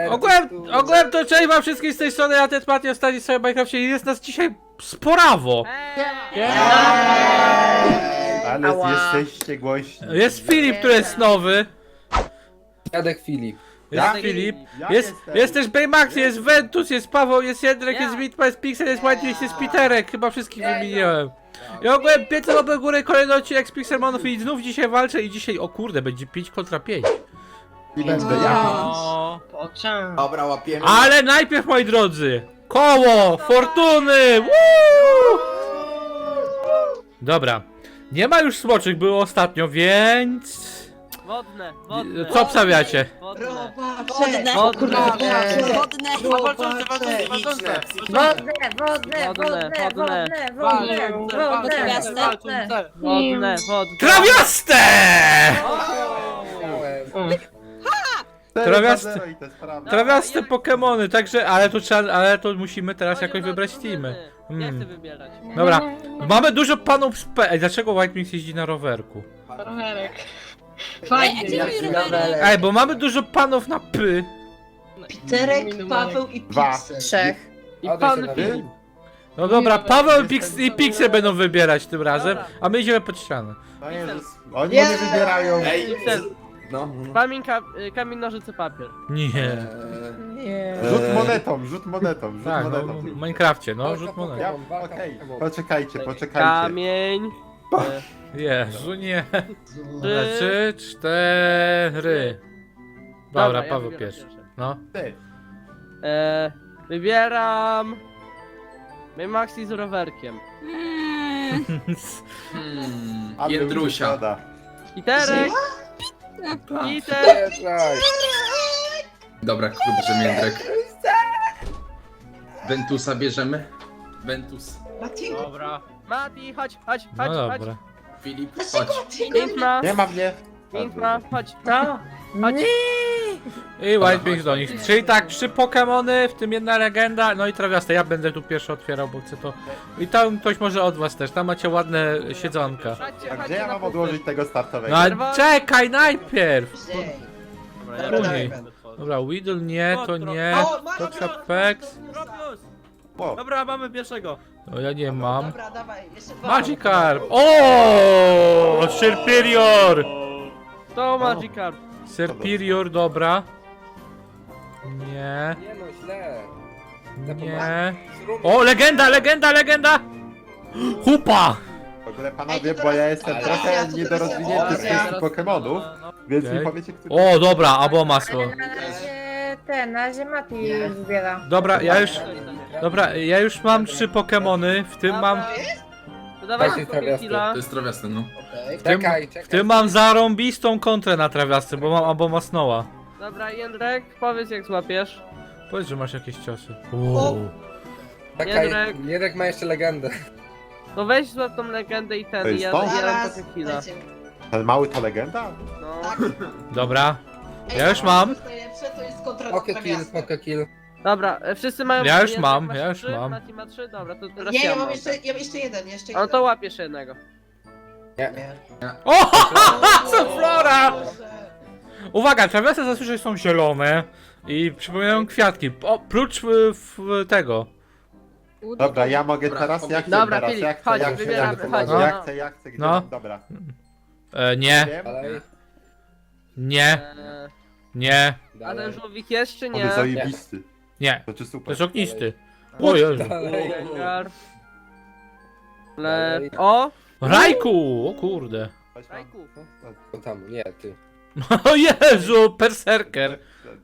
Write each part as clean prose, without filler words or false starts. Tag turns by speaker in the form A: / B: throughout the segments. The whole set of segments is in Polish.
A: Ogółem to cześć wam wszystkim z tej strony, ja ten Mati ostatni sobie w Minecrafcie i jest nas dzisiaj sporawo.
B: Ale jesteście głośni.
A: Jest Filip, który jest nowy.
C: Jadek Filip.
A: Jest
B: Ja?
A: Filip.
B: Ja
A: Jest
B: jestem.
A: też Baymax, jest Ventus, jest Paweł, jest Jędrek, jest Mitma, jest Pixel, jest White, jest Peterek. Chyba wszystkich wymieniłem. I ogółem 5 łapek górę, kolejny odcinek z Pixelmonów i znów dzisiaj walczę i dzisiaj, o kurde, będzie 5 kontra 5.
B: I będę ja.
D: Dobra, łapiemy.
A: Ale najpierw, moi drodzy, koło fortuny! Woo! Dobra, nie ma już smoczych, było ostatnio, więc...
E: Wodne.
A: Co obstawiacie?
E: Wodne.
F: Wodne,
E: Wodne. Wodne.
A: Trawiaste! Trawiaste Pokemony, także, ale to musimy teraz jakoś wybrać teamy.
E: Nie chcę wybierać.
A: Dobra, mamy dużo panów z P. Ej, dlaczego White Mix jeździ na rowerku?
F: Rowerek.
G: Ej,
F: Fajnie.
A: Ej, bo mamy dużo panów na P.
G: Piterek, Paweł i
B: Dwa.
G: Pixel.
F: Trzech.
E: I pan
B: Ty?
A: No dobra, Paweł i Pixel będą wybierać tym razem, a my idziemy pod ścianę.
B: No Jezus. Oni nie wybierają.
D: Ej, no.
E: Kamień, nożyce, papier.
A: Nie.
B: Rzut monetą, rzut monetą, rzut
A: Tak, no,
B: monetą.
A: w Minecrafcie, no, rzut monet.
B: Ja, okej, poczekajcie.
E: Kamień.
A: Jezu, nie.
E: Trzy.
A: 3, 4. Dobra,
E: ja
A: Paweł
E: wybieram
A: pierwszy. No.
B: Ty.
E: Wybieram... Maxi z rowerkiem.
B: A
D: Jędrusia.
B: szkoda.
E: Iterek.
C: Wjeżdżaj.
D: Dobra, bierzemy Jędrek. Ventusa bierzemy. Ventus.
G: Matiego.
E: Dobra. Mati, chodź.
A: No dobra.
D: Filip, chodź.
E: Piękna.
B: Nie ma mnie.
E: Piękna, chodź.
F: No.
E: Chodź.
A: I White Mix do nich. Czyli tak, 3 Pokemony, w tym jedna legenda, no i trawiaste. Ja będę tu pierwszy otwierał, bo chcę to. I tam ktoś może od was też. Tam macie ładne siedzonka.
E: Chodźcie,
B: A
E: chodźcie
B: gdzie ja
E: na
B: mam
E: punkty.
B: odłożyć tego startowego?
A: No ale czekaj najpierw!
G: Dobra,
A: Później.
G: będę.
A: Dobra, Weedle nie, to nie.
G: O, masz,
A: To
G: masz,
A: Capex.
B: O,
E: Dobra, mamy pierwszego.
A: No ja nie mam.
G: Dobra, dawaj, jeszcze dwa.
A: Magikarp! O, Serperior!
E: To Magikarp.
A: Serperior, dobra. Nie,
C: Nie no, źle.
A: nie. O, legenda! Hupa!
B: w ogóle panowie, bo ja jestem trochę niedorozwinięty w kwestii Pokemonów, więc mi
A: Okej.
B: powiecie, który...
A: O, dobra, Abomasło.
F: Na razie Mati zbiera.
A: Dobra, ja już mam 3 Pokemony, w tym mam,
E: To dawaj
C: Dajcie
E: szybko Killa.
D: To jest trawiasty, no.
G: Okej.
C: Czekaj.
A: w tym mam zarąbistą kontrę na trawiasce, bo mam Abomasnoła.
E: Dobra, Jędrek, powiedz jak złapiesz.
A: Powiedz, że masz jakieś ciosy.
C: Czekaj.
E: Jędrek.
C: Jędrek ma jeszcze legendę.
E: No weź złap tą legendę i
B: To
E: ten, i
B: jest
E: ja
B: to?
E: zabieram
G: Zaraz,
E: potem Killa.
G: dajcie.
B: Ten mały to legenda?
E: No.
G: Tak.
A: Dobra,
G: Ej,
A: Ja już mam.
G: To jest najlepsze, to jest kontra
C: Poke kill.
E: Dobra, wszyscy mają...
A: Ja już
E: Jędrek
A: mam,
E: masz
A: ja już
E: 3,
A: mam.
E: Mati ma 3, dobra, to teraz
G: Nie, ja
E: mam.
G: mam jeszcze jeden, jeszcze
E: No
G: jeden.
E: to łapiesz jednego.
G: Nie.
A: O, co flora! Uwaga, trawiasy zazwyczaj są zielone i przypominają kwiatki, oprócz tego.
B: Dobra, ja mogę teraz, ja chcę
E: Dobra,
B: teraz,
E: Filip,
B: ja chcę,
E: chodź,
B: ja chcę,
E: wybieramy, chodź,
B: ja
E: no.
B: chcę, gdzie
A: No.
B: mam, dobra.
A: Nie,
B: Wiem,
C: Dalej.
A: nie, nie,
E: A ten
C: Dalej.
E: żółwik jest czy
B: on
E: nie?
B: jest zajebisty.
A: nie.
B: To czy
A: To
B: super.
A: jest ognisty. O Jezu.
C: Dalej.
E: Jęgar.
C: Dalej.
E: O!
A: Rajku! O kurde.
B: Chodź tam.
E: Rajku.
C: To tam, nie, ty.
A: O Jezu, berserker.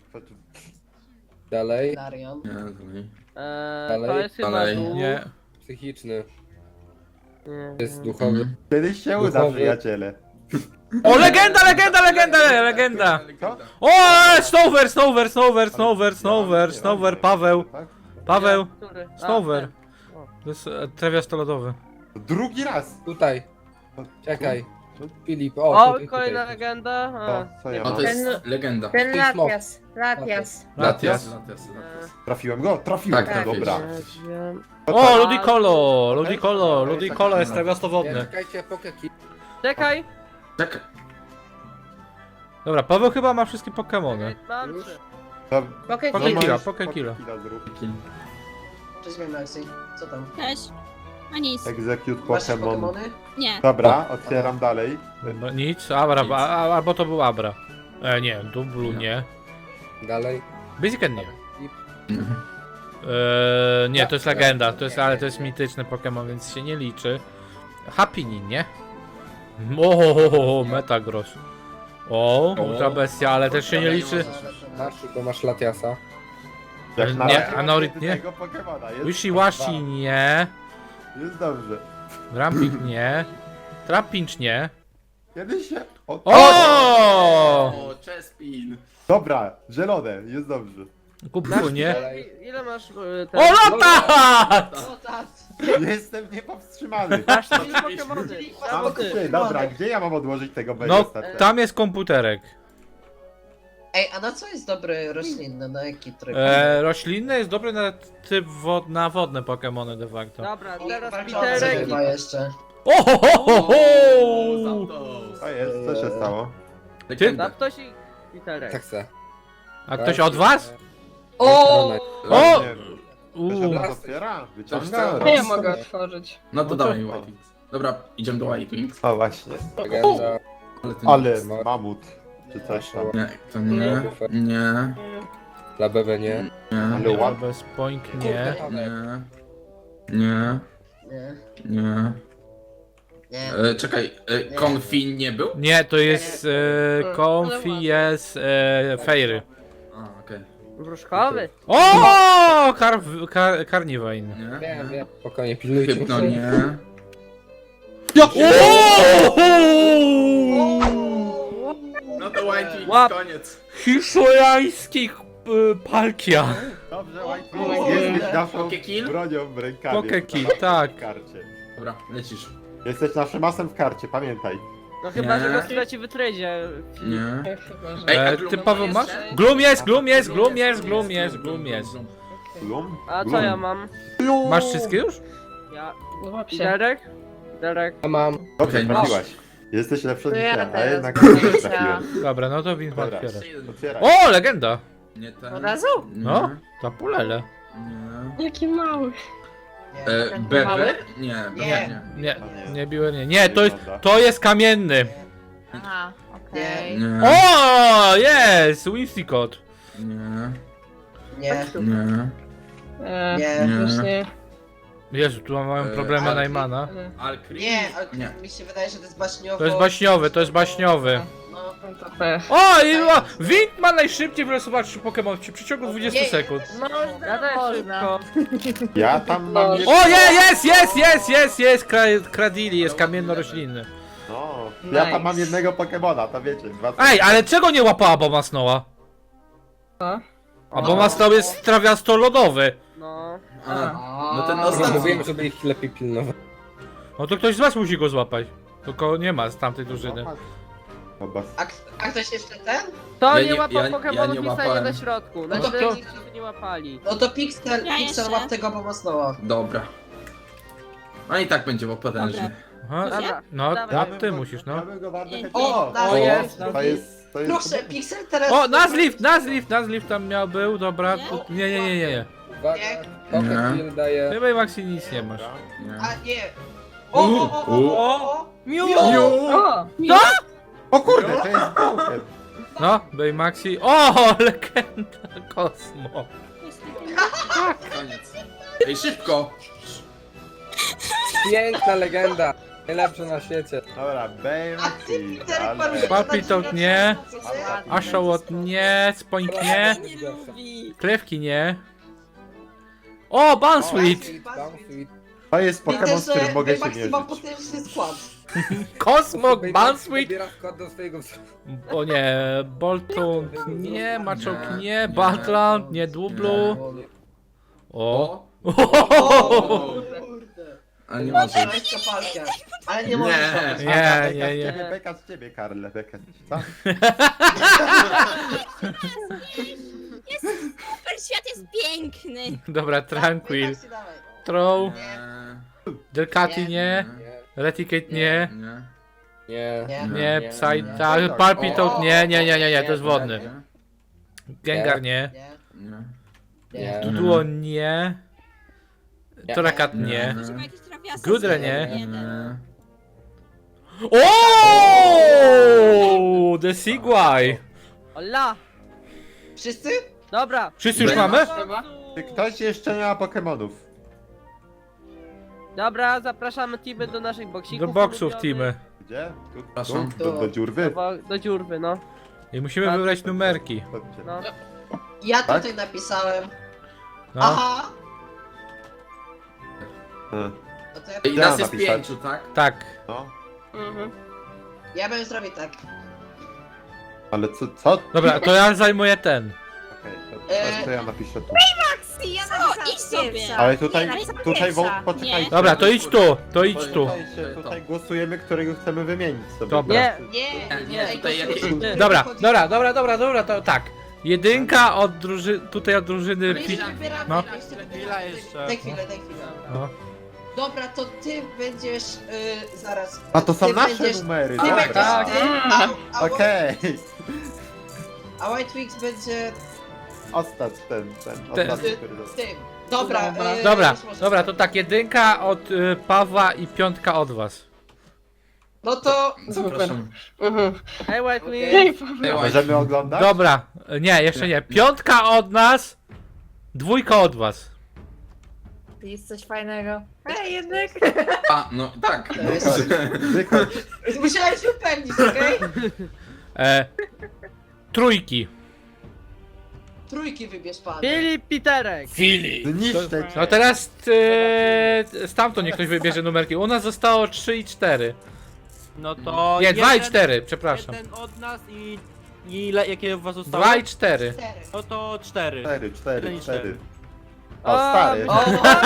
C: Dalej.
G: Darion.
D: Nie, dalej.
E: To
C: Dalej.
E: jest chyba
D: Dalej.
E: dół.
A: Nie.
C: Psychiczny.
E: Nie.
C: To jest duchowy.
B: Kiedyś się uda,
C: Duchowy.
B: przyjaciele.
A: O, legenda!
B: Co?
A: O, Snover, Paweł.
B: Tak?
A: Paweł,
E: Który? A,
A: Snover.
E: ten.
A: To jest trawiasto lodowy.
B: Drugi raz!
C: Tutaj. Czekaj. Filip, o,
E: O,
C: tutaj,
E: kolejna
C: tutaj.
E: legenda. A.
B: Co ja
D: No
B: mam?
D: to jest legenda.
F: Ten
C: Ty smok.
F: Latias.
D: Latias.
A: Latias.
D: Latias.
B: Trafiłem go? Trafiłem,
D: Tak,
B: no dobra.
A: O, Ludicolo jest trawiasto
C: Nie,
A: wodne.
C: czekajcie, poke kill.
E: Czekaj!
D: Czekaj.
A: Dobra, Paweł chyba ma wszystkie Pokemony.
E: Mam
C: Już?
E: 3.
B: To
F: Pokekilla.
A: Pokekilla.
B: zrób.
G: Cześć, Maxi. Co tam?
H: Cześć. A nic.
B: Execute
G: Masz
B: Pokémon.
G: Pokemony?
H: Nie.
B: Dobra, otwieram dalej.
A: Nic, Abra, albo to był Abra. Nie, Dublu nie.
C: Dalej.
A: Blaziken nie. Nie, to jest legenda, ale to jest mityczny Pokémon, więc się nie liczy. Happinin, nie? O, Metagross. O, ultra bestia, ale też się nie liczy.
C: Masz, bo masz Latiasa.
B: Jak na
A: Nie,
B: razie mam
A: Anorit nie.
B: jedynego Pokemona. Jest
A: Wishiwashi nie.
B: Jest dobrze.
A: Rampik nie. Trapinch nie.
B: Kiedyś się... O!
A: O!
D: Chespin.
B: Dobra, zielone, jest dobrze.
A: Kupku nie.
C: Dalej.
E: Ile masz
A: O, Lotat!
G: O, tak.
B: Jestem niepowstrzymany.
E: Masz 3 Pokemony.
B: Mam trzy, dobra, gdzie ja mam odłożyć tego
A: No,
B: Bejesta?
A: tam jest komputerek.
G: Ej, a na co jest dobry roślinny? Na jaki tryb?
A: Roślinny jest dobry na typ na wodne Pokemony de facto.
E: Dobra,
G: I
E: teraz
G: walczący
E: Piterek i...
G: chyba jeszcze.
A: O, ho, ho, ho, ho!
D: Zapdos.
B: To jest, co się stało?
D: Legenda.
E: Zaptoś i Piterek.
C: Tak se.
A: A ktoś od was?
G: O!
A: O!
B: Nie,
A: Uuu.
B: Ktoś nas otwiera? Wyciąga?
D: Coś
F: Nie mogę otworzyć.
D: No to dawaj White Wings. Dobra, idziemy do White Wings.
B: O właśnie.
C: Legenda.
D: Ale ty
B: Ale
C: nie.
B: mamut. Czy coś tam.
D: Nie, to nie. Nie.
C: Dla BB nie.
D: Nie.
B: Ale ładny.
A: Bez point nie.
D: Nie. Nie.
G: Nie,
D: Nie.
G: nie.
D: Czekaj, Confin nie był?
A: Nie, to jest Comfy, jest Fairy.
D: A, okej.
E: Wróżkowy.
A: O! Carnivine.
D: Nie.
C: Wiem, wiem. Spokojnie, pilnujcie.
D: Hypno nie. No to White Wings,
E: Łap.
D: koniec.
A: Hiszolański Palkia.
B: Dobrze, White Wings jesteś naszą
D: Pokekill?
B: bronią w rękawie.
A: Pokekill,
B: W
A: tak.
B: karcie.
D: Dobra, lecisz.
B: Jesteś naszym asem w karcie, pamiętaj.
E: No chyba,
D: Nie.
E: że go straci w tradzie.
D: Nie.
F: Chyba, że...
D: Ej, a
A: Ty Paweł masz? Gloom jest, Gloom jest, Gloom jest, Gloom jest, Gloom jest.
B: Glum?
E: A co
B: Glum.
E: ja mam?
A: Masz wszystkie już?
E: Ja...
F: Złap się.
E: Piterek? Piterek.
C: Ja mam.
B: Dobrze,
D: Okej,
B: trafiłaś. Jesteś lepszy od
F: To ja
B: mnie, a
F: teraz
B: jednak
F: będę
B: nie
F: chciała.
B: trafiłem.
A: Dobra, no to win
B: Dobra.
A: otwierasz.
B: Otwieraj.
A: O, legenda!
D: Nie ten.
F: Od razu?
A: No, tapulele.
D: Nie.
F: Jaki mały.
G: Nie.
D: Bebe?
F: Mały?
D: Nie, Bebe
G: Nie.
D: nie.
A: Nie, nie biłem, nie. Nie, to jest kamienny.
F: Aha, okej.
D: Nie.
A: O, jest! Winsicott.
D: Nie.
G: Nie.
D: Nie.
G: Nie.
F: Właśnie.
A: Jezu, tu mają problemy
D: ale-
A: Najmana.
D: Alkri?
G: Nie, ale
D: Nie.
G: mi się wydaje, że to jest baśniowo.
A: To jest baśniowy, to jest baśniowy.
G: No,
F: No to pech.
A: O, i Wind ma najszybciej wylosować 3 Pokémon w przeciągu 20
G: Nie.
A: sekund.
E: Ja też
F: Można.
E: szybko.
B: Ja tam mam...
F: O,
A: O, jest! Kradili, jest kamienno-roślinny.
B: No, ja tam
F: Nice.
B: mam jednego Pokemona, to wiecie. Dwa...
A: Ej, ale czego nie łapała Bomasnoła?
F: Co?
A: A Bomasnoł jest trawiasto-lodowy.
E: No.
D: A, no ten
G: A.
D: ostatni.
C: Mówiłem, żeby ich lepiej pilnować.
A: No to ktoś z was musi go złapać. Tylko nie ma z tamtej drużyny.
B: Chyba.
G: A ktoś jeszcze ten?
E: To
D: Ja
E: nie
D: nie-
E: łapał
D: ja
E: Pokemonów
D: nie
E: i stanie
D: łapałem.
E: na środku.
G: No to
E: Na
G: to-
E: środku nie łapali.
G: No to Pixel,
H: Ja
G: Pixel
H: jeszcze.
G: łap tego pomocnoła.
D: Dobra. A i tak będzie, bo potężny.
A: Aha,
E: Dobra,
A: no,
E: dawaj.
A: ty musisz, no.
B: Ja bym go bardzo chętnie...
G: O,
B: o,
G: jest.
B: to jest...
G: Proszę, Pixel teraz...
A: O, Nazlift tam był, dobra. Nie.
C: Uwaga, Pokekill daje...
A: Chyba i Maxi nic nie masz.
D: Nie.
G: A nie. O!
E: Miu!
F: O!
B: O kurde, to jest Pokémon.
A: No, Baymaxi. O, legenda Kosmo.
D: Koniec. Ej, szybko!
C: Piękna legenda. Najlepsza na świecie.
B: Dobra, Baymaxi, ale...
A: Papitot nie. Ashawot nie, Spoink nie,
H: Nie lubi.
A: Klewki nie. O, Bansweet!
C: Bounsweet.
B: To jest
G: Widzę,
B: Pokémon, z którym
G: że
B: mogę się
G: Maxi
B: mierzyć.
G: ma potężny skład.
A: Kosmok, Bansweet!
C: Dobiera wkład do swojego wzrostu.
A: O nie, Bolton nie, Machoke nie, Baltland nie, Dublu. O.
G: Kurde.
D: Ale nie może.
G: Weź kapalkę. Ale nie
D: Nie.
G: możesz.
A: Nie.
B: Beka z ciebie, Karle, beka z ciebie, co?
H: Super, świat jest piękny.
A: Dobra, Tranquil.
G: Maxi, dawaj.
A: Throw,
D: Nie.
A: Delcati nie,
C: Nie,
A: Reticate nie,
D: Nie.
C: nie.
G: Nie.
A: nie, Psy, tak, Palpitot nie, to jest wodny. Gengar nie.
G: Nie.
D: Nie.
G: Nie.
A: Duduo nie. Torakat nie.
H: Ktoś ma jakieś trawiasy?
A: Gudrę nie.
H: Jeden.
A: O! The Sigway!
E: Ola!
G: Wszyscy?
E: Dobra,
A: Wszyscy już
D: Będzie.
A: mamy?
F: Chyba.
B: Czy ktoś jeszcze nie ma Pokemonów?
E: dobra, zapraszamy teamy do naszych boksików.
A: Do boksów
E: ulubionych.
A: teamy.
B: Gdzie? Tu,
D: Przepraszam.
B: do dziurwy?
E: Do dziurwy, no.
A: I musimy wybrać numerki.
B: Chodźcie.
E: No.
G: Ja
B: Tak?
G: tutaj napisałem.
A: No.
G: Aha! No to ja,
D: I
B: Ja
D: nas jest
B: napisać.
D: 5, tak?
A: Tak.
B: No.
F: Mhm.
G: ja bym zrobił tak.
B: Ale co?
A: Dobra, to ja zajmuję ten.
B: Okej, to ja napiszę tu.
F: Ja
H: idź sobie.
B: Ale tutaj,
F: Nie, napisałam
B: tutaj
F: pierwsza.
B: poczekajcie.
A: Dobra, to idź tu, to idź tu.
B: Tutaj głosujemy, którego chcemy wymienić sobie.
A: Dobra.
E: Nie,
G: Nie,
D: Nie, tutaj jakieś-
A: Dobra, to tak. Jedynka od drużyny, tutaj od drużyny...
G: My jeszcze wybieramy,
A: No.
G: my jeszcze wybieramy.
I: Chwila jeszcze.
G: Daj chwilę.
A: No.
G: Dobra, to ty będziesz zaraz.
B: A to są
G: ty
B: nasze
G: będziesz,
B: numery,
G: Ty będziesz
B: dobra.
G: ty, a
B: Okej.
G: A White Wings będzie
B: Ostatni, ten ostatni, który został.
G: tym. Dobra,
A: Dobra,
G: już możesz.
A: dobra, to tak, jedynka od Pawła i piątka od was.
G: No to
D: Zapraszam.
F: Mhm.
E: hej White
G: Okej.
E: Wings.
D: Hey, White.
B: Możemy oglądać?
A: Dobra, nie, jeszcze nie. Piątka od nas, dwójka od was.
F: Jest coś fajnego. Hej, jednak.
D: A, no tak.
G: To jest-
B: Wychodź.
G: musiałem się upewnić, okej?
A: Trójki.
G: Trójki wybierz pan.
E: Filip Piterek.
B: Zniszczę cię.
A: No teraz stamtąd niech ktoś wybierze numerki. U nas zostało 3 i 4.
I: No to.
A: Nie, 2 i
I: jeden-
A: 4, przepraszam.
I: Jeden od nas i ile, jakie u was zostało?
A: 2 i 4.
G: Cztery.
I: No to 4.
B: 4.
E: O,
B: O, stary.
G: O,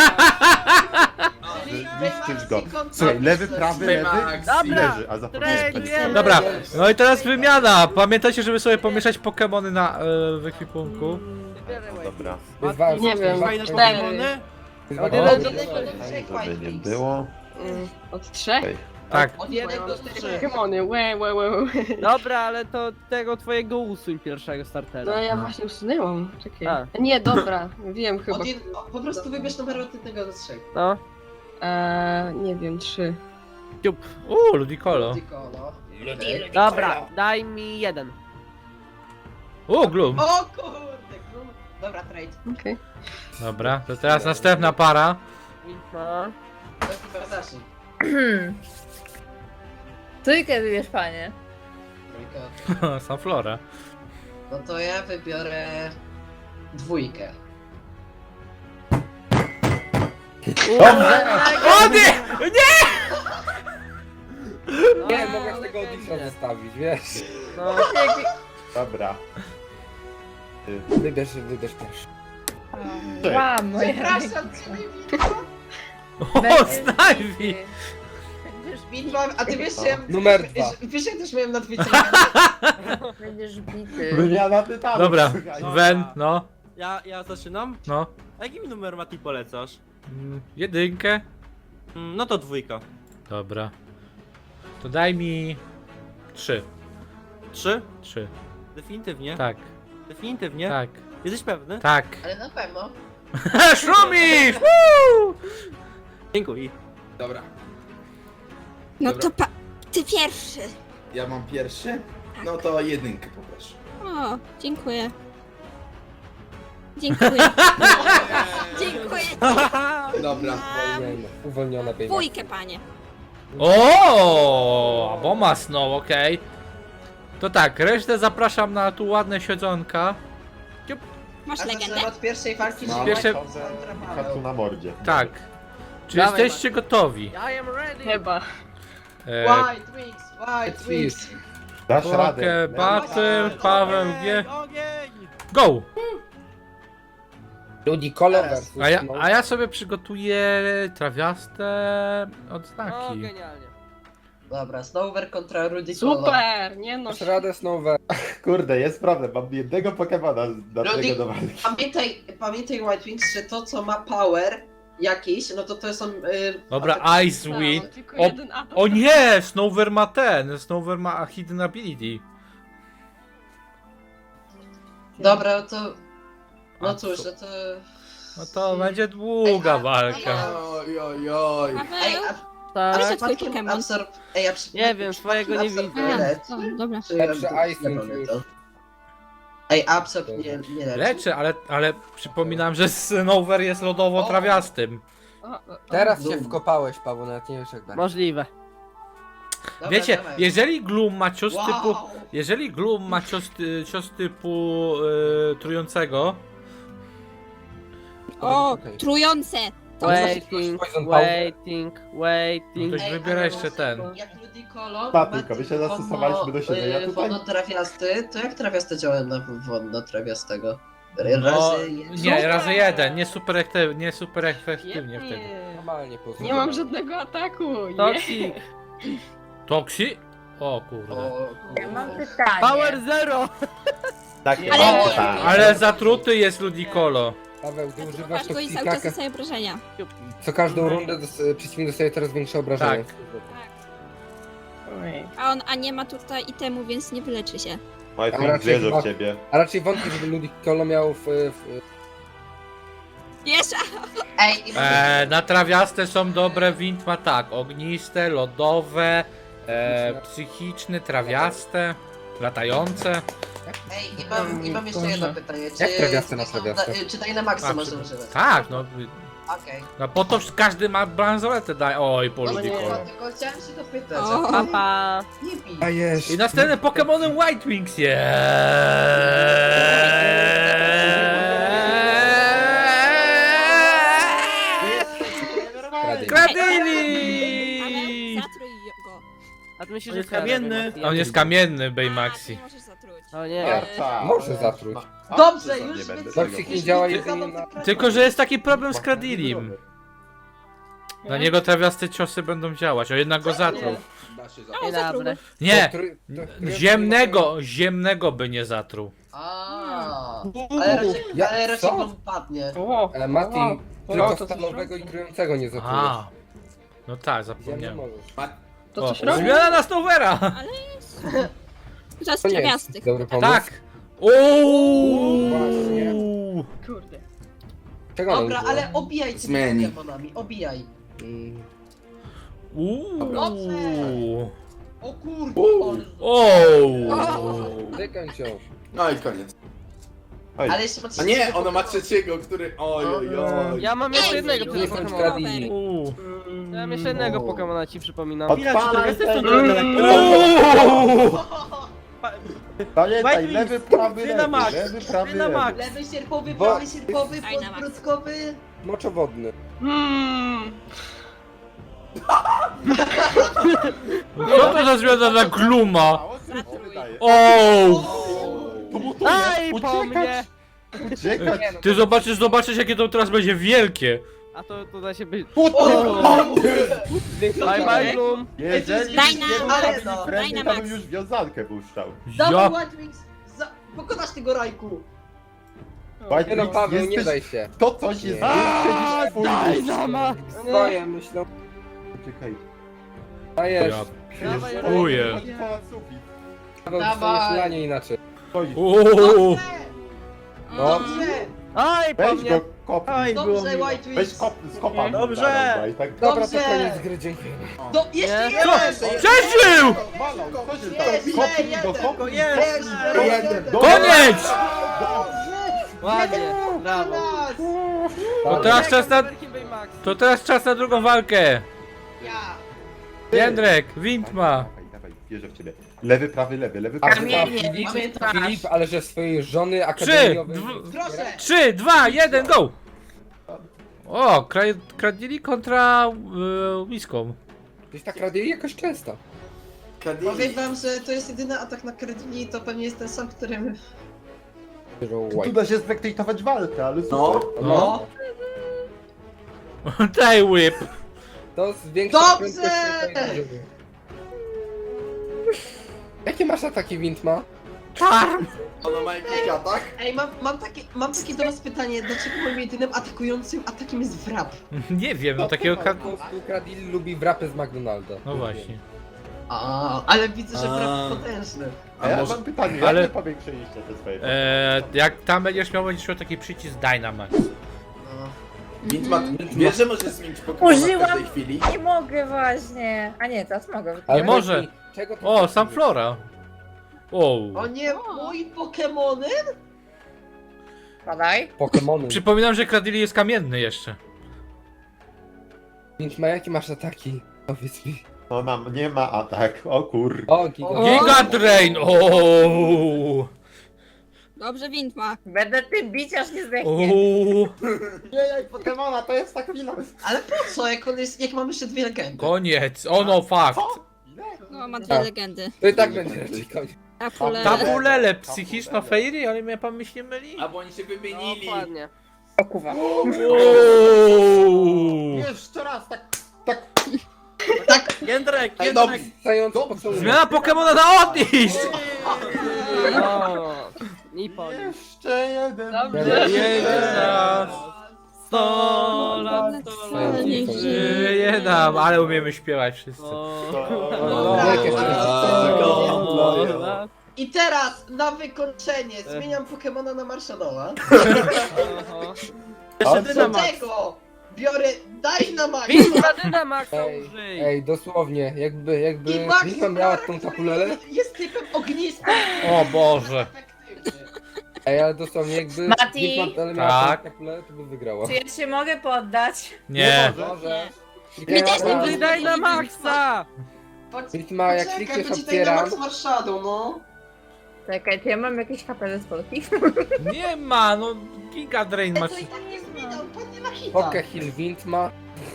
B: Zniszczysz go. Słuchaj, lewy, prawy, lewy i
E: Dobra.
B: leży, a zapomniałem.
E: Tradujemy.
A: Dobra, no i teraz wymiana. Pamiętajcie, żeby sobie pomieszać Pokemony na w ekwipunku.
E: Wybieraj White
B: Dobra.
F: Nie wiem.
I: Fajne
F: 4.
I: Pokemony?
G: Od
A: O.
G: jednego do trzech
B: Żeby
G: White
B: nie
G: Wings.
B: było.
F: Od 3?
B: Okej.
A: Tak.
G: Od jednego do trzech.
F: Pokemony, łe.
E: Dobra, ale to tego twojego usuń pierwszego startera.
F: No ja właśnie usunęłam. Czekaj.
E: A.
F: Nie, dobra. Wiem chyba.
G: Po prostu wybierz numer od jednego do trzech.
E: No.
F: Nie wiem, 3.
A: Ludicolo.
G: Dikolo.
E: Dobra, daj mi 1.
A: Gloom.
G: O kurde, król. Dobra, trade.
F: Okej.
A: Dobra, to teraz następna para.
E: No.
G: To chyba zacznij.
F: Trójkę wybierz, panie.
G: Trójka.
A: Sunflora.
G: No to ja wybiorę dwójkę.
A: O nie!
C: Nie, mogę z tego Odisha zostawić, wiesz?
E: No.
B: Dobra.
C: Wybierz pierwszy.
F: Łam,
G: Przepraszam cię,
A: O, Snivy!
G: Bitwa, a ty wiesz, że ja...
C: Numer 2.
G: Wiesz, ja też miałem na Twitchu.
F: Będziesz bity.
B: Wymiana tytanów.
A: Dobra,
B: słuchaj.
A: Wen, no,
I: Ja zaczynam?
A: no.
I: A jaki mi numer Mati polecasz?
A: Jedynkę.
I: No to 2.
A: Dobra. To daj mi 3.
I: 3?
A: 3.
I: Definitywnie?
A: Tak,
I: Definitywnie?
A: tak,
I: Jesteś pewny?
A: tak.
G: Ale na pewno.
A: Szumi! Woo!
I: Dziękuję.
D: Dobra.
H: No
D: Dobra.
H: to ty pierwszy.
D: Ja mam pierwszy? No to jedynkę poproszę.
H: O, dziękuję. Dziękuję. Dziękuję.
D: Dobra.
C: Uwolniona pieniądze.
H: Dwójkę, panie.
A: O, Boma Snow, okej. To tak, resztę zapraszam na tu ładne siedzonka.
H: Masz
G: A
H: legendę?
G: zaczynamy od pierwszej walki,
B: No,
G: czyli
A: Pierwsze-
B: Kartu na mordzie.
A: Tak. Czy
E: Dawaj,
A: jesteście gotowi?
E: I am ready.
F: Chyba.
G: White Wings, White Wings.
B: Dasz
A: Poke
B: radę.
A: Battle, Paweł G.
I: Ogień!
A: Go!
C: Ludzi kolor
G: Teraz.
C: versus
A: A ja sobie przygotuję trawiaste
E: O,
A: odznaki.
E: genialnie.
G: Dobra, Snover kontra Ludicolo.
F: Super, nie no.
C: Masz radę Snover.
B: Kurde, jest problem, mam jednego Pokemona do
G: Rudy-
B: tego do walki.
G: Pamiętaj White Wings, że to co ma power jakiś, no to są...
A: Dobra, Ice
F: No,
A: Wheat.
F: tylko
A: O-
F: jeden atak.
A: O nie! Snover ma ten. Snover ma Hidden Ability.
G: Dobra, to...
A: A
G: No cóż,
A: co?
G: no to...
A: No to będzie długa walka.
D: Oj, oj, oj.
G: Ej,
H: Paweł,
G: a
H: proszę
E: Tak.
H: twój
G: przypadkiem
H: Pokémon.
G: absorb... Ej, a
E: Nie wiem, swojego nie
G: absorb
E: widzę.
H: A,
G: leczy?
H: o, dobra.
G: Czy
C: Lepszy
G: ja-
C: icing
G: nie
C: już.
G: to. Ej, absorb nie leczy?
A: Leczę, ale przypominam, że Snover jest lodowo-trawiastym.
C: Teraz się
G: Dum.
C: wkopałeś, Paweł, nawet nie wiesz jak będzie.
E: Możliwe.
G: Dobra,
A: Wiecie,
G: dawaj.
A: jeżeli Gloom ma cios
G: Wow.
A: typu... Jeżeli Gloom ma cios typu trującego,
H: O,
C: Okej.
H: trujące.
E: Waiting,
C: Poison
E: waiting, waiting.
A: Ktoś wybiera
G: ale
A: jeszcze
G: może,
A: ten.
G: Jak Ludicolo
B: Pa,
G: ma
B: tylko my się
G: typu
B: zastosowaliśmy do siebie, ja tutaj-
G: Wodno-trawiasty, to jak trawiasty działa na wodno-trawiastego?
A: no,
G: Razy
A: nie, razy jeden, nie super efektywnie wtedy.
C: Normalnie poznałem.
F: Nie mam żadnego ataku.
E: Toxic.
A: Toksi? O kurde.
G: O,
F: Ja mam pytanie.
E: Power zero.
B: Tak,
H: Ale-
B: tak.
A: Ale zatruty jest Ludicolo.
C: Paweł, ty używasz
H: Masz go i cały
C: toksika,
H: czas dostaje obrażenia.
C: co każdą rundę przeciwnik dostaje coraz większe obrażenia.
A: Tak.
F: Oj.
H: A nie ma tutaj itemu, więc nie wyleczy się.
C: A
B: Majfun
C: raczej
B: wierzę
C: chyba-
B: w ciebie.
C: A raczej wątpię, żeby Ludicolo miał
H: Jeszcze!
G: Ej, i
A: Na trawiaste są dobre, wind ma tak, ogniste, lodowe, psychiczne, trawiaste, latające.
G: Ej, i mam jeszcze jedno pytanie.
C: Jak trawiaste na trawiaste?
G: Czy daj na maksa
A: A,
G: można używać?
A: Tak, no,
G: Okej.
A: no po to każdy ma bransoletę, daj, oj, po
G: No nie,
A: Ludicolo.
G: tylko chciałem się dopytać.
H: O.
E: Pa, pa.
G: Nie bij.
C: Dajesz.
A: I następnym Pokemonem White Wings jest... Kradili!
H: Zatruj go.
E: A ty myślisz,
I: On
E: że
I: jest
E: Kara
I: kamienny.
E: robi?
A: On jest kamienny,
H: A,
A: Baymaxi.
H: nie możesz zatruć.
E: O nie.
B: Marta.
C: Może zatruć.
G: Dobrze,
B: Nie
G: już
B: będę
G: więc-
C: Toksik
B: tego.
C: nie działa
G: już
C: jedynie
G: zadam
C: na...
A: Tylko, że jest taki problem z Kradilim. Na niego trawiaste ciosy będą działać, o jednak go zatruł.
D: Da się
H: O, zatruł go.
A: Nie!
C: To-
A: Ziemnego by nie zatruł.
G: A,
C: Ja-
G: ale raczej
C: co?
G: wam padnie.
C: Mati,
F: O,
C: tylko
F: to
C: stalowego i trującego nie zatrujesz.
A: A, no tak,
C: Ziemny
A: zapomniałem.
C: możesz.
F: To
A: O,
F: coś robi?
A: zmiana na Snovera!
H: To jest
C: To nie jest
H: trawiastych.
C: dobry pomysł.
A: Tak! Uuu!
C: Właśnie.
F: Kurde.
C: Czego on
G: Dobra,
C: używa?
G: ale obijaj
D: Zmieni.
G: tymi Pokemonami, obijaj.
C: Mm,
A: Uuu!
G: O kurde,
A: Ooo!
C: Wykończ ją.
D: No i koniec.
B: Oj,
G: ale jeszcze ma
D: A nie, ona ma trzeciego, który... Oj, oj, oj.
E: Ja mam jeszcze jednego
C: Nie
E: Pokemona.
C: kończ Kradili.
A: Uuu!
E: Ja mam jeszcze jednego Pokemona, ci przypominam.
B: Odpalaj
I: Widać, że to
B: tego.
A: Uuu!
B: Pamiętaj,
I: White
B: lewy,
I: Wings,
B: prawy,
I: ty na max,
B: lewy, prawy,
I: ty na
B: lewy.
I: max.
G: Lewy sierpowy,
C: Bo-
G: prawy sierpowy,
H: Daj na
G: podbródkowy.
C: Moczowodny.
A: Co to za zmiana na Gluma?
B: Mało tylko wydaje.
A: Ooo!
E: Aj, po mnie!
B: Uciekać.
A: Ty zobaczysz jakie to teraz będzie wielkie.
E: A to da się być...
C: Większy
E: Bye bye, Bloom.
B: Jeżeli
H: Daj
B: nie
H: na-
B: był
G: ale
B: taki
G: no.
B: friendly,
H: Daj na
B: to bym
H: max.
B: już wiązankę puszczał.
G: Dawaj
A: Ja...
G: White Wings, pokonasz tego rajku.
B: White
C: Nie no,
B: Wings,
C: Paweł, nie
B: jesteś-
C: daj się.
B: To coś jest
C: Nie.
B: większe niż twój
E: Daj
B: mózg.
E: na max!
C: Swoje myślą.
B: Czekaj.
C: Dajesz.
E: Dawaj,
A: Dziękuję.
B: Chodź ponad sufit.
C: Paweł,
G: Dawaj.
C: dostaniesz lanie inaczej.
B: Chodź.
A: Uuu!
C: No.
G: Dobrze,
E: Aj, po
B: Weź
E: mnie!
B: go, kopnij.
I: Aj, było
G: dobrze
I: miło.
G: White
B: Weź
G: Wings.
B: skopa.
I: Dobrze.
B: Tak.
C: Dobra, to
G: Dobrze.
C: koniec gry, dziękujemy.
G: Jeszcze
E: Nie?
G: jeden!
A: Przeżył!
B: Malą, co się
G: Jeszcze
B: stało? Kopnij go,
G: jeden.
B: kopnij.
G: Jeszcze
A: Koniec!
E: Ładnie, brawo.
A: To teraz czas na...
E: Wielkim Baymax.
A: To teraz czas na drugą walkę.
G: Ja.
A: Jędrek, wind ma.
B: Dawaj, wierzę w ciebie. Lewy, prawy, lewy,
C: A
B: prawy.
G: Kamienie, pamiętasz?
C: Filip, ale że swojej żony
A: 3,
C: akademiowej...
G: Proszę.
A: 3, 2, 1, go! O, Kradili kontra Whiską.
C: Gdzieś tak radili jakoś często.
G: Powiem wam, że to jest jedyny atak na Kredini, to pewnie jest ten sam, którym...
B: Tu da się spektakować walkę, ale super.
D: No.
A: No. Daj whip.
C: To zwiększa
G: Dobrze!
C: prędkość swojej drużyny. Jakie masz ataki, Wind ma?
A: Charm.
D: Ona ma jakiś atak?
G: Ej, mam takie do was pytanie, dlaczego moim jedynym atakującym atakiem jest wrap?
A: Nie wiem, no takiego...
C: Po prostu Kradili lubi wrapy z McDonalda.
A: No właśnie.
G: Ale widzę, że
D: A.
G: brak potężny.
B: A ja
D: może-
B: mam pytanie,
A: ale-
B: jak wy powiększyliście te swoje...
A: Jak tam będziesz miał taki przycisk Dynamax.
G: No.
D: Wintma, wiesz, że możesz zmienić Pokemon w
F: Użyłam.
D: każdej chwili?
F: Nie mogę właśnie. A nie, teraz mogę.
C: Ale
A: może.
C: powiedz mi, czego ty
A: O,
C: chcesz
A: sam
C: mieć?
A: Flora. O.
G: O nie, mój Pokemony?
F: Padaj.
C: Pokemony.
A: Przypominam, że Cradily jest kamienny jeszcze.
C: Wintma, jakie masz ataki? Powiedz mi.
B: No nie ma atak, o kur...
C: O, giga.
A: Giga Drain! O.
H: Dobrze, Windma.
F: Będę tym bić, aż nie zdechnie.
A: O.
B: Nie, jak Pokemona, to jest ta chwila.
G: Ale po co, jak mamy jeszcze 2 legendy?
A: Koniec. O no, fakt.
H: No, ma dwie legendy.
C: To i tak będzie raczej koniec.
H: Tapule.
A: Tabulele, psychiczna Fairy, ale mnie pan mi się myli.
D: Albo oni się wymienili.
E: Dokładnie.
F: O kuwa.
A: O.
B: Jeszcze raz, tak...
I: Jędrek,
D: Ej,
I: Jędrek.
C: Stający Pokemon.
A: Zmiana Pokemona na odniść!
E: O, Nippon.
B: Jeszcze jeden...
F: Dobrze.
A: Jeden raz.
E: 100 lat, 100 lat.
H: Niech żyje.
A: Żyje nam, ale umiemy śpiewać wszyscy.
C: Wielkie
E: Sto lat.
G: I teraz, na wykończenie, zmieniam Pokemona na Marshadowa.
I: Jeszcze
G: Do
I: Dynamax.
G: tego biorę Dynamax.
E: Windma Dynamaxa
C: Ej,
E: użyj.
C: Ej, dosłownie, jakby
G: I Max
C: Wintma miała tą tapulelę.
G: jest typem ognistym.
A: O Boże.
G: Efektywnie.
C: Ej, ale dosłownie jakby
F: Mati?
C: Wintma miała
A: Tak.
C: tą tapulelę, to by wygrała.
F: Czy ja się mogę poddać?
A: Nie.
C: Może.
H: My też nie
E: Użyj Dynamaxa.
C: Wintma, jak
G: Poczekaj,
C: klikniesz
G: będzie
C: otwieram.
G: Dynamax Marshadow, no.
F: Czekaj, czy ja mam jakieś HP ze spolki?
A: Nie ma, no Giga Drain
G: Ale
A: masz.
G: to i tak nie zmieniam, padnie na hita.
C: Pokehill Wintma.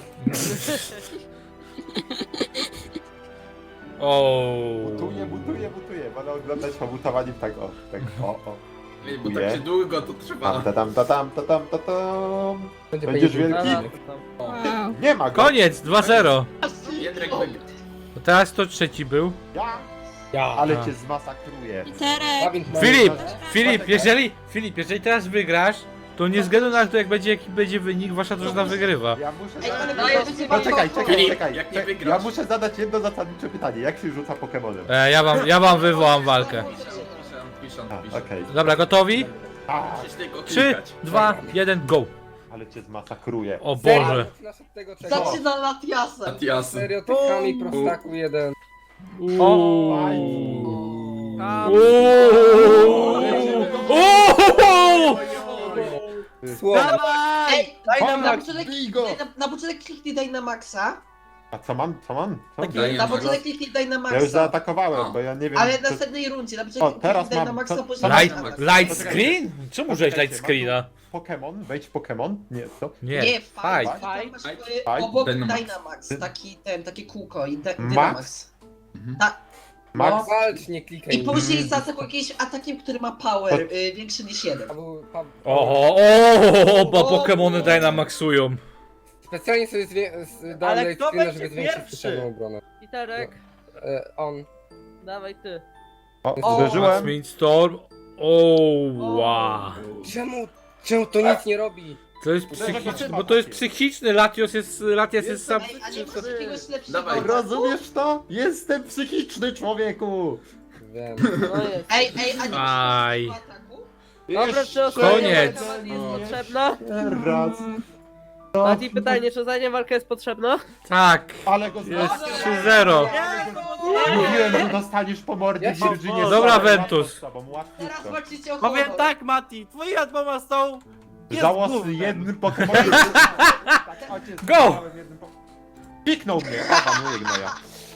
A: O.
B: Butuję, będę oglądać pobutowaniem tak o.
D: Ej, bo tak się długo to trwa.
B: Tam.
C: Będzie
B: Będziesz
C: fajnie.
B: wielki?
H: Wow.
B: Nie ma go!
A: Koniec, 2-0.
D: Jędrek wygra.
A: No teraz to trzeci był.
B: Ja! Ale
A: A.
B: cię zmasakruję.
H: Literek.
A: Filip, jeżeli teraz wygrasz, to nie względu na to, jaki będzie wynik, wasza drużyna wygrywa.
B: Ja muszę
G: Ej, ale
B: zadać...
G: to jest chyba
B: Poczekaj,
G: to-
D: Filip,
B: czekaj.
D: jak nie
B: Ja
D: wygrasz.
B: muszę zadać jedno zasadnicze pytanie. Jak się rzuca Pokemonem?
A: Ja wam wywołam walkę.
D: Piszę.
B: Okej.
A: Dobra, gotowi?
B: A,
D: Musisz tylko
A: 3,
D: klikać.
A: 2, 1, go.
B: ale cię zmasakruję.
A: O
C: Serio,
A: Boże.
C: zaczynasz od tego czego?
G: Zaczyna Latiasem.
D: Atiasy.
C: Stereotypami prostaku jeden.
E: Tam.
C: Słowo.
G: Ej,
I: Dynamax.
G: na początek kliknij Dynamaxa.
B: A co mam?
D: Daję
G: Na
D: Max.
G: początek kliknij
B: Ja już
G: Dynamaxa.
B: zaatakowałem, bo ja nie wiem...
G: Ale w
B: co-
G: następnej rundzie, na
B: O,
G: początek
B: teraz
G: kliknij
B: mam.
G: Dynamaxa,
B: Co-
G: później
A: Light,
G: Dynamax.
A: light screen? Czemu użyłeś light screena?
B: Pokémon? Wejdź w Pokémon? Nie, co?
A: Nie,
G: Nie,
A: fight.
G: fight. Tam masz,
D: Fight.
G: obok
D: Dynamax.
G: Dynamax, takie kółko i
B: Max?
G: Dynamax.
B: Max?
C: Walcz, nie klikaj.
G: I później zaatakuj jakimś atakiem, który ma power większy niż 1.
A: Bo Pokemony Dynamaxują.
C: Specjalnie sobie dałem
I: Ale
C: light
I: kto
C: screena,
I: będzie
C: żeby zwiększyć
I: pierwszy?
C: specjalną obronę.
E: Literek.
C: On.
E: Dawaj ty.
B: O, uderzyłem.
A: Windstorm. O, wow.
C: Czemu to nic nie robi?
A: To jest psychiczne, bo to jest psychiczny, Latias jest sam...
G: Ej, a nie masz jakiegoś lepszego
D: Dawaj.
G: ataku?
B: Rozumiesz to? Jestem psychiczny, człowieku!
C: Wiem.
E: No jest.
G: Ej, a nie
A: Aj.
G: masz lepszego ataku?
E: Dobra, czy
A: Koniec.
E: ostatnia walka jest potrzebna?
B: Teraz.
E: Mati, pytanie, czy ostatnia walka jest potrzebna?
A: Tak,
B: Ale go
A: jest
B: zmasakruję.
A: 3-0.
B: Mówiłem, że dostaniesz po mordzie
C: Ja się
B: Virginie.
A: Dobra,
B: Stary,
A: Ventus.
B: łatwo z tobą,
G: Teraz
B: łatwiutko.
G: walczycie o
I: Powiem
G: honor.
I: tak, Mati, twoje admoma są... jest
B: Żałosny
I: gównem.
B: jednym Pokemonem.
A: Go!
B: Piknął mnie, opanuję gnoja.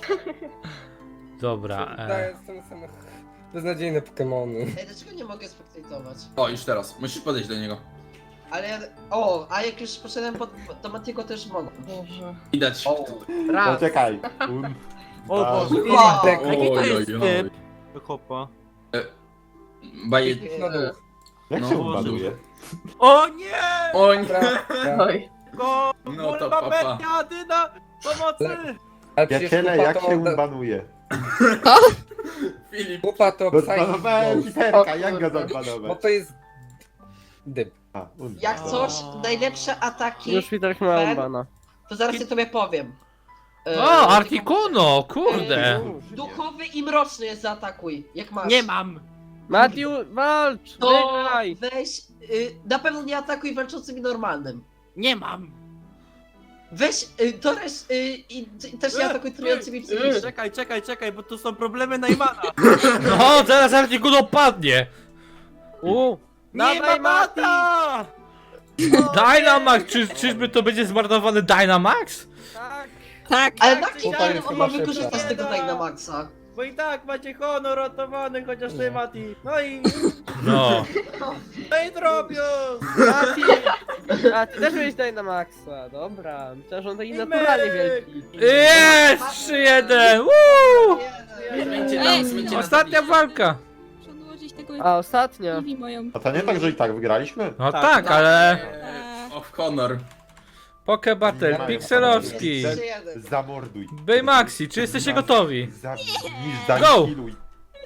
A: Dobra,
C: Daję same beznadziejne Pokemony.
G: Ej, dlaczego nie mogę spektatować?
D: O, już teraz. Musisz podejść do niego.
G: Ale ja... O, a jak już poszedłem do Matiego też mogę.
D: Widać.
G: O.
E: Raz.
B: Poczekaj.
I: O Boże.
G: Wow.
I: Jaki to jest
D: Oj, oj,
I: typ?
D: oj.
I: Chopa.
D: Baje...
C: Na dół.
B: Jak
D: No,
B: się
D: Boże.
B: ubanuje?
I: O nie!
D: O nie.
G: Oj.
I: Go!
D: No to
I: Kurwa,
D: papa.
I: Betia, Dyna! Pomocy!
C: Ale przecież
B: Przyjaciele, jak się
C: Kupa
B: unbanuje?
D: Filip.
C: Kupa to
B: Rozbanowałem
C: Psychic
B: Piterka, jak go
C: Bo
B: zabanować?
C: to jest... Dyb.
B: A,
G: Jak coś, najlepsze ataki,
E: Już Literek ma bana.
G: to zaraz ja tobie powiem.
A: O, Articuno, kurde.
G: Duchowy i mroczny jest, zaatakuj. Jak masz.
I: Nie mam.
E: Matiu, walcz!
G: To
E: Wygraj!
G: weź, na pewno nie atakuj walczącym i normalnym.
I: Nie mam.
G: Weź, i też nie atakuj trującymi psychicznie.
I: Czekaj, bo tu są problemy Najmana.
A: No, zaraz Articuno padnie.
I: Nie ma
E: Mati!
I: mata!
A: Dynamax, czyżby to będzie zmarnowany Dynamax?
E: Tak!
H: Tak.
G: Ale na
C: Tutaj
G: kim
C: jest
G: on ma
C: chyba
G: wykorzystać
C: szybsza.
G: tego Dynamaxa?
I: Bo i tak macie honor ratowany, chociaż ty Mati.
A: No.
I: No i drobius!
E: Mati! A ty też byłeś tutaj na maksa, dobra. Myślałem, że on taki naturalnie wielki.
A: Jest! 3-1! Woo!
D: Zmieńcie
H: Ej,
D: tam, zmieńcie
A: Ostatnia walka.
H: Muszę odłożyć tego
E: A ostatnio.
H: TV moją.
B: A to nie tak, że i tak wygraliśmy?
A: No tak, ale...
D: Of honor.
A: Poke Battle, Pixelowski,
G: Jest 3-1.
B: Zamorduj.
A: Baymaxi, czy jesteście gotowi?
B: Zanihiluj.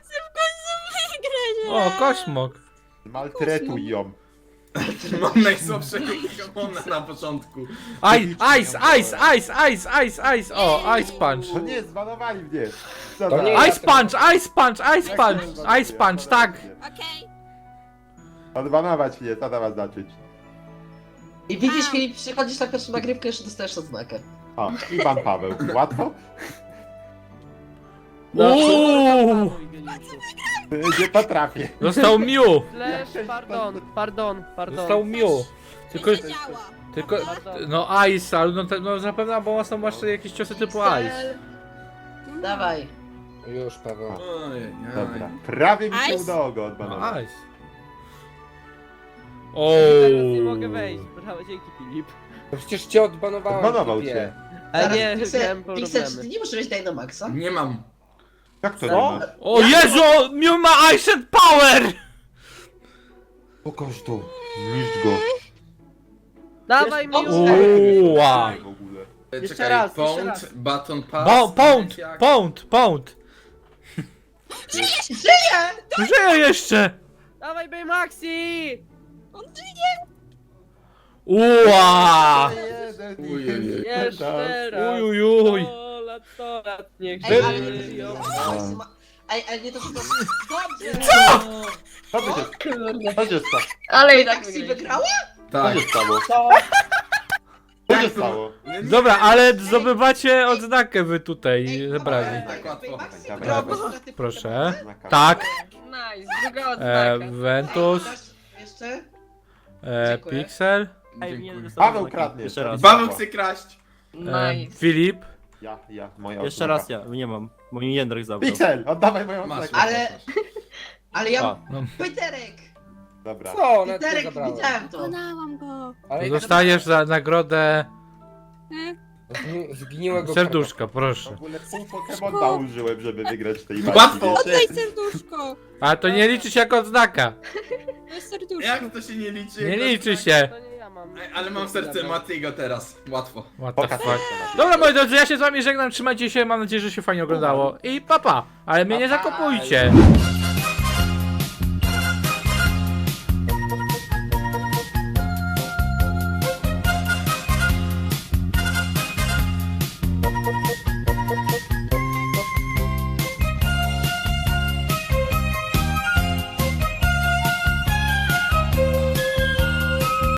A: O, Kośmok.
B: Maltretuj ją.
D: Mam najsłabszego Pokemona na początku.
A: Ice! O, Ice Punch.
B: To nie, zbanowali mnie. Co
C: To
B: za-
C: nie-
A: Ice Punch! Ice Punch, tak!
H: Okej.
B: Odbanować mnie, co to ma znaczyć?
G: I widzisz, Filip, przychodzisz na pierwszą nagrywkę, jeszcze dostajesz odznakę.
B: O, i pan Paweł. Łatwo?
A: Uuu!
B: Nie potrafię.
A: Został Mew!
E: Flash, pardon.
A: Został Mew. Tylko,
H: Nie działa.
A: tylko, no Ice, ale no zapewne, bo są jeszcze jakieś ciosy typu Ice.
G: Dawaj.
C: Już, Paweł.
D: Ojej,
B: Dobra. Prawie mi się
H: Ice?
B: udało go
A: No
B: odbanować.
A: Ice.
E: Teraz nie mogę
A: Ooo.
E: wejść. Brawo, dzięki Filip.
C: No przecież cię odbanowałem.
B: Odbanował
C: typie.
B: cię.
E: Ale nie,
G: Pixel,
E: miałem
G: Pixel, czy ty
E: problemy.
G: nie możesz Dynamaxa?
D: Nie mam.
B: Jak to nie
E: Co?
B: ma?
A: O Jezu, Mew ma Ice and Power!
B: Pokaż to. Zniszcz go.
E: Dawaj mi
A: Uła.
B: W ogóle.
E: Jeszcze
D: Czekaj,
E: raz, jeszcze
D: Pound,
E: raz.
D: Baton Pass.
A: Pound! Żyje jeszcze!
E: Dawaj Baymaxi!
A: Uła!
D: Ujej.
E: Jeszcze raz.
A: Ujujuj!
E: 100 lat, niech
G: Ej, ale
E: żyją.
G: Ej, nie to, że to... Dobrze!
B: Co by się... Co się stało?
F: Ale i tak
G: Maxi wygrała?
B: Co
D: Tak.
B: się stało? Co się stało?
A: Dobra, ale zdobywacie odznakę wy tutaj zebrani.
D: Tak łatwo.
G: Maxi
B: Dawaj,
G: wygrała
B: dawaj.
G: bez straty
A: Proszę.
G: punktu.
A: Tak,
F: Nice, druga odznaka.
A: Ventus,
G: Jeszcze?
A: Pixel,
B: Paweł kradnie.
J: Jeszcze raz.
D: Paweł chce kraść.
F: Nice.
A: Filip.
B: Moja
J: Jeszcze
B: odznaka.
J: raz ja, nie mam. Bo mi Jędrek zabrał.
B: Pixel, oddawaj moją
D: Masz.
B: odznakę.
G: Ale ja...
J: A.
G: Peterek!
B: Dobra.
C: Co? Nawet nie
G: Peterek,
C: zabrałem.
G: widziałem to.
H: Pokonałam go.
C: Ale
A: Dostajesz za nagrodę
C: zgniłego
A: serduszka,
B: W
A: proszę.
B: ogóle pół Pokemona użyłem, żeby wygrać w tej
D: Łatwo.
B: walce.
H: Oddaj serduszko.
A: Ale to nie liczy się jako odznaka.
H: To jest serduszko.
D: Jak to się nie liczy?
A: Nie
D: Jak to-
A: liczy się.
E: To nie ja mam.
D: Ej, ale mam serce Matiego teraz. Łatwo.
A: What the
B: Pokaż
A: fuck. Dobra moi drodzy, ja się z wami żegnam, trzymajcie się, mam nadzieję, że się fajnie oglądało i papa, ale mnie nie zakopujcie.